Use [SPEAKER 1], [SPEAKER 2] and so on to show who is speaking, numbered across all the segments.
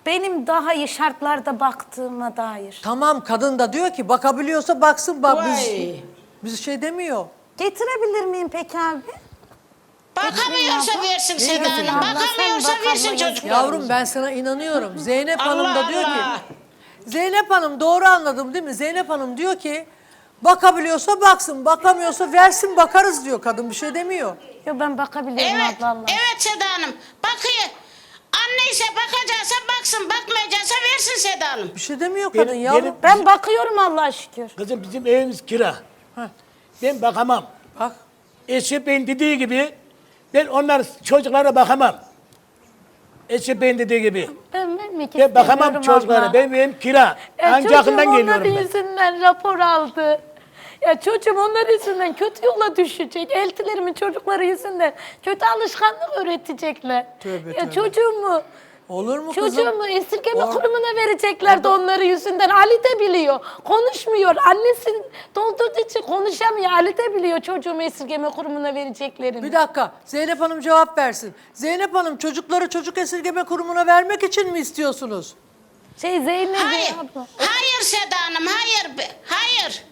[SPEAKER 1] benim daha iyi şartlarda baktığıma dair.
[SPEAKER 2] Tamam, kadın da diyor ki bakabiliyorsa baksın, bak
[SPEAKER 3] Vay.
[SPEAKER 2] biz şey demiyor.
[SPEAKER 1] Getirebilir miyim peki abi?
[SPEAKER 3] Bakamıyorsa versin Seda Hanım.
[SPEAKER 1] Abla, sen
[SPEAKER 3] Bakamıyorsa
[SPEAKER 1] bak abla,
[SPEAKER 3] versin
[SPEAKER 1] yazık.
[SPEAKER 3] çocuklarımıza.
[SPEAKER 2] Yavrum ben sana inanıyorum. Zeynep Hanım
[SPEAKER 3] Allah
[SPEAKER 2] da diyor
[SPEAKER 3] Allah.
[SPEAKER 2] ki, Zeynep Hanım doğru anladım değil mi? Zeynep Hanım diyor ki bakabiliyorsa baksın, bakamıyorsa versin, bakarız diyor, kadın bir şey demiyor.
[SPEAKER 1] Yo, ben bakabilirim
[SPEAKER 3] Evet,
[SPEAKER 1] abla Allah.
[SPEAKER 3] evet Seda Hanım. Bakıyor. Anne ise bakacaksa baksın, bakmayacaksa versin Seda Hanım.
[SPEAKER 2] Bir şey demiyor kadın
[SPEAKER 4] Benim-
[SPEAKER 2] yavrum.
[SPEAKER 4] benim-
[SPEAKER 1] Ben bakıyorum Allah'a şükür.
[SPEAKER 4] Kızım bizim evimiz kira. Ben bakamam.
[SPEAKER 2] Bak
[SPEAKER 4] Eşi Bey'in dediği gibi ben onlar çocuklara bakamam. Eşi Bey'in dediği gibi.
[SPEAKER 1] Ben vermek
[SPEAKER 4] Ben bakamam
[SPEAKER 1] istemiyorum
[SPEAKER 4] çocuklara.
[SPEAKER 1] abla.
[SPEAKER 4] Benim evim kira. Ancak
[SPEAKER 1] Çocuğum
[SPEAKER 4] yakından
[SPEAKER 1] onların
[SPEAKER 4] geliyorum ben.
[SPEAKER 1] yüzünden rapor aldı. Ya çocuğum onlar yüzünden kötü yola düşecek. Eltilerimin çocukları yüzünden kötü alışkanlık öğretecekler.
[SPEAKER 2] Tövbe,
[SPEAKER 1] ya
[SPEAKER 2] tövbe.
[SPEAKER 1] çocuğumu
[SPEAKER 2] olur mu kızım?
[SPEAKER 1] Çocuğumu esirgeme kurumuna vereceklerdi onları yüzünden. Ali de biliyor. Konuşmuyor. Annesi doldurduğu için konuşamıyor. Ali de biliyor çocuğumu esirgeme kurumuna vereceklerini.
[SPEAKER 2] Bir dakika, Zeynep Hanım cevap versin. Zeynep Hanım, çocukları çocuk esirgeme kurumuna vermek için mi istiyorsunuz?
[SPEAKER 1] Zeynep
[SPEAKER 3] Hayır.
[SPEAKER 1] abla.
[SPEAKER 3] Hayır Seda Hanım, hayır. Hayır.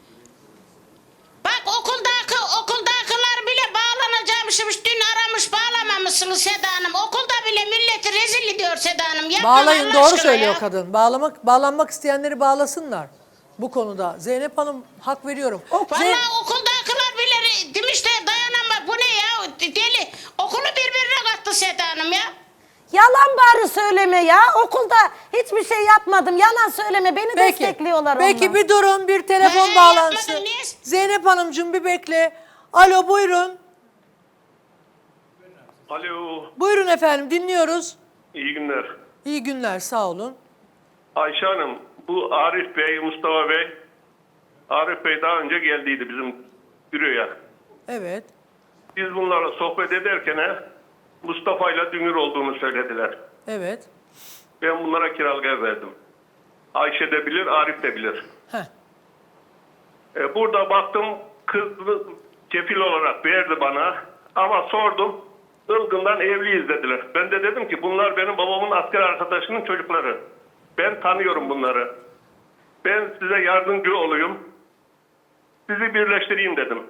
[SPEAKER 3] Bak okuldakiler bile bağlanacakmışmış. Dün aramış bağlamamışsınız Seda Hanım. Okulda bile milleti rezil ediyor Seda Hanım. Yapma
[SPEAKER 2] Bağlayın,
[SPEAKER 3] Allah
[SPEAKER 2] doğru
[SPEAKER 3] aşkına
[SPEAKER 2] söylüyor
[SPEAKER 3] ya.
[SPEAKER 2] kadın. Bağlanmak isteyenleri bağlasınlar bu konuda. Zeynep Hanım hak veriyorum.
[SPEAKER 3] Vallahi okuldakiler bile demişler dayanamaz. Bu ne ya? Deli. Okulu birbirine kattı Seda Hanım ya.
[SPEAKER 1] Yalan bari söyleme ya. Okulda hiçbir şey yapmadım. Yalan söyleme. Beni destekliyorlar onlar.
[SPEAKER 2] Peki bir durun, bir telefon
[SPEAKER 3] He,
[SPEAKER 2] bağlantısı.
[SPEAKER 3] yapmadın, niye?
[SPEAKER 2] Zeynep Hanımcığım bir bekle. Alo, buyurun.
[SPEAKER 5] Alo,
[SPEAKER 2] Buyurun efendim, dinliyoruz.
[SPEAKER 5] iyi günler.
[SPEAKER 2] İyi günler, sağ olun.
[SPEAKER 5] Ayşe Hanım, bu Arif Bey, Mustafa Bey, Arif Bey daha önce geldiydi bizim büroya.
[SPEAKER 2] Evet.
[SPEAKER 5] Biz bunlarla sohbet ederken Mustafa ile Dünür olduğunu söylediler.
[SPEAKER 2] Evet.
[SPEAKER 5] Ben bunlara kiralık ev verdim. Ayşe de bilir, Arif de bilir.
[SPEAKER 2] Heh.
[SPEAKER 5] Burada baktım, kız kefil olarak verdi bana ama sordum, Ilgın'dan evliyiz dediler. Ben de dedim ki bunlar benim babamın asker arkadaşının çocukları. Ben tanıyorum bunları. Ben size yardımcı olayım. Sizi birleştireyim dedim.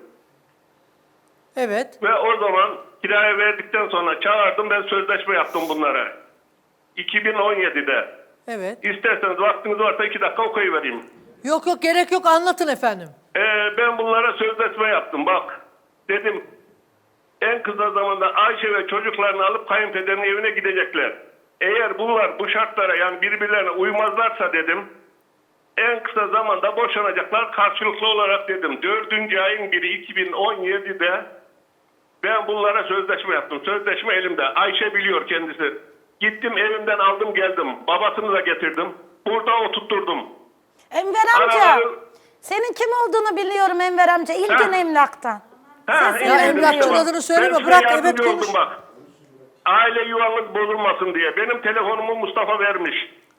[SPEAKER 2] Evet.
[SPEAKER 5] Ve o zaman kiraya verdikten sonra çağırdım, ben sözleşme yaptım bunlara. 2017'de.
[SPEAKER 2] Evet.
[SPEAKER 5] İsterseniz vaktiniz varsa 2 dakika okuyuvereyim.
[SPEAKER 2] Yok yok, gerek yok, anlatın efendim.
[SPEAKER 5] Ben bunlara sözleşme yaptım bak. Dedim en kısa zamanda Ayşe ve çocuklarını alıp kayınpederinin evine gidecekler. Eğer bunlar bu şartlara yani birbirlerine uymazlarsa dedim en kısa zamanda boşanacaklar karşılıklı olarak dedim. 4. ayın 1'i 2017'de ben bunlara sözleşme yaptım. Sözleşme elimde. Ayşe biliyor kendisi. Gittim evimden aldım geldim. Babasını da getirdim. Burada oturtturdum.
[SPEAKER 1] Enver amca.
[SPEAKER 5] Araları-
[SPEAKER 1] Senin kim olduğunu biliyorum Enver amca. İlgin
[SPEAKER 5] Ha.
[SPEAKER 1] Emlak'tan. Sesini
[SPEAKER 2] Ya
[SPEAKER 5] iyi
[SPEAKER 2] emlakçının
[SPEAKER 5] dedim.
[SPEAKER 2] adını söyleme,
[SPEAKER 5] Ben size
[SPEAKER 2] bırak,
[SPEAKER 5] yardımcı
[SPEAKER 2] evet, konuş.
[SPEAKER 5] oldum bak. Aile yuvanız bozulmasın diye. Benim telefonumu Mustafa vermiş.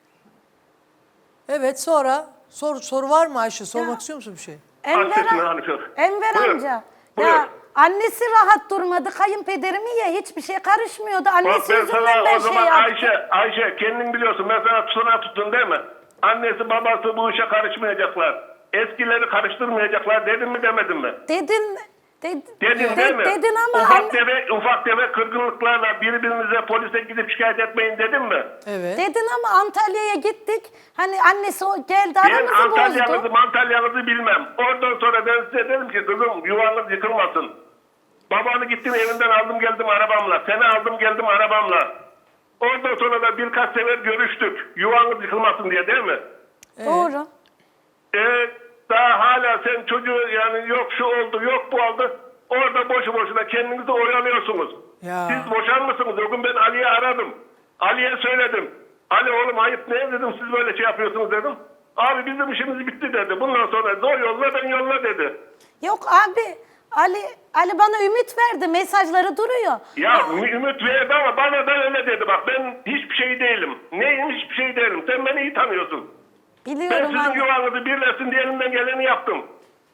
[SPEAKER 2] Evet, sonra soru var mı Ayşe? Sormak istiyor musun bir şey?
[SPEAKER 5] Hasretine Hanife.
[SPEAKER 1] Enver
[SPEAKER 5] Buyur,
[SPEAKER 1] amca.
[SPEAKER 5] buyur.
[SPEAKER 1] Ya annesi rahat durmadı. Kayınpederimi ya hiçbir şey karışmıyordu.
[SPEAKER 5] Bak
[SPEAKER 1] Annesi
[SPEAKER 5] ben
[SPEAKER 1] yüzünden
[SPEAKER 5] sana
[SPEAKER 1] ben
[SPEAKER 5] o
[SPEAKER 1] şey
[SPEAKER 5] zaman
[SPEAKER 1] yaptım.
[SPEAKER 5] Ayşe kendin biliyorsun. Ben sana tutuna tuttun değil mi? Annesi babası bu işe karışmayacaklar. Eskileri karıştırmayacaklar dedim mi demedim mi?
[SPEAKER 1] Dedin.
[SPEAKER 5] Dedin değil mi?
[SPEAKER 1] Dedin ama
[SPEAKER 5] Ufak tefek kırgınlıklarla birbirinize polise gidip şikayet etmeyin dedim mi?
[SPEAKER 2] Evet.
[SPEAKER 1] dedin ama Antalya'ya gittik. Hani annesi o geldi
[SPEAKER 5] Ben
[SPEAKER 1] aramızı bozdu.
[SPEAKER 5] Antalya'nızı bilmem. Oradan sonra ben size dedim ki kızım yuvanız yıkılmasın. Babanı gittim evinden aldım geldim arabamla. Seni aldım geldim arabamla. Oradan sonra da birkaç sefer görüştük. Yuvanız yıkılmasın diye değil mi?
[SPEAKER 1] Doğru.
[SPEAKER 5] Daha hala sen çocuğu yani yok şu oldu yok bu oldu. Orada boşu boşuna kendinizi oyalıyorsunuz.
[SPEAKER 2] Ya.
[SPEAKER 5] Siz boşar mısınız? O gün ben Ali'ye aradım. Ali'ye söyledim. Ali oğlum ayıp ne dedim siz böyle şey yapıyorsunuz dedim. Abi bizim işimiz bitti dedi. Bundan sonra zor yolla ben yolla dedi.
[SPEAKER 1] Yok abi. Ali bana ümit verdi. Mesajları duruyor.
[SPEAKER 5] Ya ümit verdi ama bana da öyle dedi bak ben hiçbir şey değilim. Neyim hiçbir şey değilim. Sen beni iyi tanıyorsun. Ben
[SPEAKER 1] Biliyorum
[SPEAKER 5] sizin
[SPEAKER 1] Ali.
[SPEAKER 5] yuvanızı birleşsin diye elimden geleni yaptım.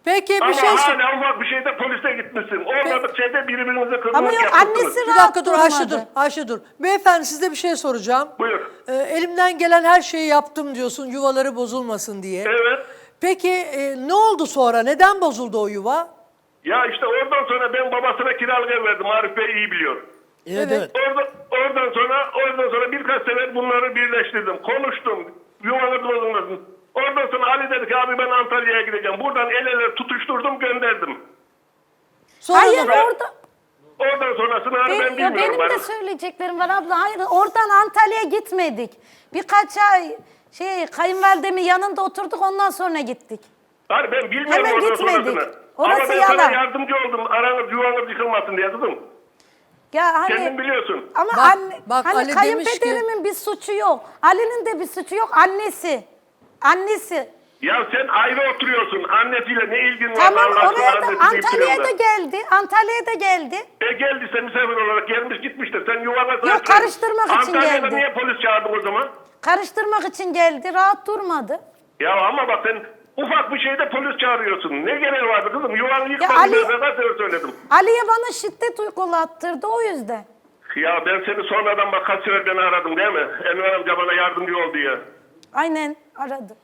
[SPEAKER 2] Peki bir
[SPEAKER 5] Ama
[SPEAKER 2] şey
[SPEAKER 5] hala ufak bir şeyde polise gitmişsin. Olmadık şeyde birbirinize kırılık
[SPEAKER 1] Ama yok,
[SPEAKER 5] yapmışsınız.
[SPEAKER 1] annesi
[SPEAKER 2] Bir
[SPEAKER 1] rahat
[SPEAKER 2] dakika dur Ayşe dur.
[SPEAKER 1] durmadı.
[SPEAKER 2] Ayşe dur. Beyefendi size bir şey soracağım.
[SPEAKER 5] Buyur.
[SPEAKER 2] Elimden gelen her şeyi yaptım diyorsun yuvaları bozulmasın diye.
[SPEAKER 5] Evet.
[SPEAKER 2] Peki ne oldu sonra? Neden bozuldu o yuva?
[SPEAKER 5] Ya işte oradan sonra ben babasına kiralık ev verdim. Arif Bey iyi biliyor.
[SPEAKER 4] Evet,
[SPEAKER 2] Evet.
[SPEAKER 4] evet.
[SPEAKER 5] Oradan sonra birkaç sefer bunları birleştirdim. Konuştum. Yuvanız bozulmasın. Oradan sonra Ali dedi ki abi ben Antalya'ya gideceğim. Buradan el ele tutuşturdum gönderdim.
[SPEAKER 2] Sonra
[SPEAKER 1] Hayır
[SPEAKER 2] da-
[SPEAKER 1] orada
[SPEAKER 5] Oradan sonrasını hani ben bilmiyorum.
[SPEAKER 1] benim de
[SPEAKER 5] Arif.
[SPEAKER 1] söyleyeceklerim var abla. Hayır oradan Antalya'ya gitmedik. Birkaç ay kayınvalidemin yanında oturduk ondan sonra gittik.
[SPEAKER 5] Hayır ben bilmiyorum
[SPEAKER 1] Hemen
[SPEAKER 5] oradan
[SPEAKER 1] gitmedik.
[SPEAKER 5] sonrasını.
[SPEAKER 1] Orası
[SPEAKER 5] Ama ben
[SPEAKER 1] yalan.
[SPEAKER 5] sana yardımcı oldum. Aranız yuvanız yıkılmasın diye kızım.
[SPEAKER 1] Ya hani
[SPEAKER 5] Kendin biliyorsun.
[SPEAKER 1] ama
[SPEAKER 2] Bak,
[SPEAKER 1] anne,
[SPEAKER 2] bak
[SPEAKER 1] hani
[SPEAKER 2] Ali demiş
[SPEAKER 1] kayınpederimin bir suçu yok. Ali'nin de bir suçu yok. Annesi.
[SPEAKER 5] Ya sen ayrı oturuyorsun. Annesiyle ne ilgin var?
[SPEAKER 1] Tamam
[SPEAKER 5] Allah aşkına
[SPEAKER 1] oraya da
[SPEAKER 5] annesi deyip
[SPEAKER 1] Antalya'ya
[SPEAKER 5] duruyorlar.
[SPEAKER 1] da geldi.
[SPEAKER 5] Geldiyse misafir olarak gelmiş gitmiştir. Sen yuvana
[SPEAKER 1] Yok, karıştırmak için
[SPEAKER 5] Antalya'da
[SPEAKER 1] geldi.
[SPEAKER 5] niye polis çağırdın o zaman?
[SPEAKER 1] Karıştırmak için geldi. Rahat durmadı.
[SPEAKER 5] Ya ama bak sen ufak bir şeyde polis çağırıyorsun. Ne gereği vardı kızım? Yuvanı yıkmadın
[SPEAKER 1] Ali-
[SPEAKER 5] ben sana söyledim.
[SPEAKER 1] Ali'ye bana şiddet uygulattırdı o yüzden.
[SPEAKER 5] Ya ben seni sonradan bak kaç sefer beni aradım değil mi? Enver amca bana yardımcı ol diye.
[SPEAKER 1] Aynen aradı.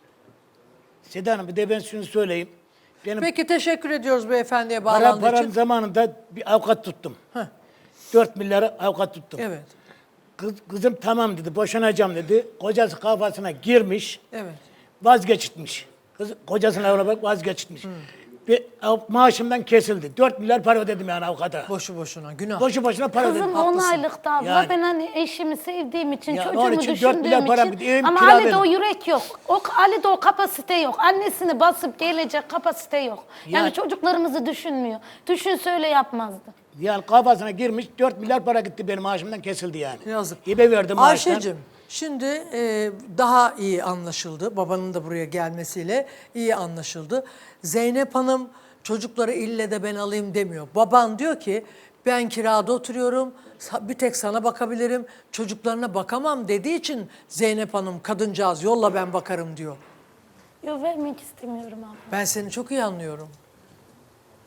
[SPEAKER 4] Seda Hanım bir de ben şunu söyleyeyim. Benim
[SPEAKER 2] Peki teşekkür ediyoruz beyefendiye
[SPEAKER 4] param
[SPEAKER 2] bağlandığı için.
[SPEAKER 4] zamanında bir avukat tuttum. 4 milyara avukat tuttum.
[SPEAKER 2] Evet.
[SPEAKER 4] Kızım tamam dedi, boşanacağım dedi. Kocası kafasına girmiş,
[SPEAKER 2] Evet.
[SPEAKER 4] vazgeçitmiş. Kocasına evlenmek vazgeçitmiş. Bir maaşımdan kesildi. 4 milyar para ödedim yani avukata.
[SPEAKER 2] Boşu boşuna günah.
[SPEAKER 4] Boşu boşuna para ödedim.
[SPEAKER 1] Kızım 10 aylıktı abla.
[SPEAKER 4] Yani.
[SPEAKER 1] Ben hani eşimi sevdiğim için,
[SPEAKER 4] Ya onun
[SPEAKER 1] çocuğumu
[SPEAKER 4] için 4
[SPEAKER 1] düşündüğüm
[SPEAKER 4] milyar para
[SPEAKER 1] için.
[SPEAKER 4] bir evim
[SPEAKER 1] Ama
[SPEAKER 4] kira
[SPEAKER 1] Ali'de o
[SPEAKER 4] verdim.
[SPEAKER 1] yürek yok. Ali'de o kapasite yok. Annesini basıp gelecek kapasite yok. Yani
[SPEAKER 4] Ya-
[SPEAKER 1] çocuklarımızı düşünmüyor. Düşünse öyle yapmazdı.
[SPEAKER 4] Yani kafasına girmiş 4 milyar para gitti benim maaşımdan kesildi yani.
[SPEAKER 2] Yazık.
[SPEAKER 4] Hibe verdim maaştan.
[SPEAKER 2] Ayşe'cim şimdi daha iyi anlaşıldı. Babanın da buraya gelmesiyle iyi anlaşıldı. Zeynep Hanım çocukları ille de ben alayım demiyor. Baban diyor ki ben kirada oturuyorum. Bir tek sana bakabilirim. Çocuklarına bakamam dediği için Zeynep Hanım kadıncağız yolla ben bakarım diyor.
[SPEAKER 1] Yok vermek istemiyorum abla.
[SPEAKER 2] Ben seni çok iyi anlıyorum.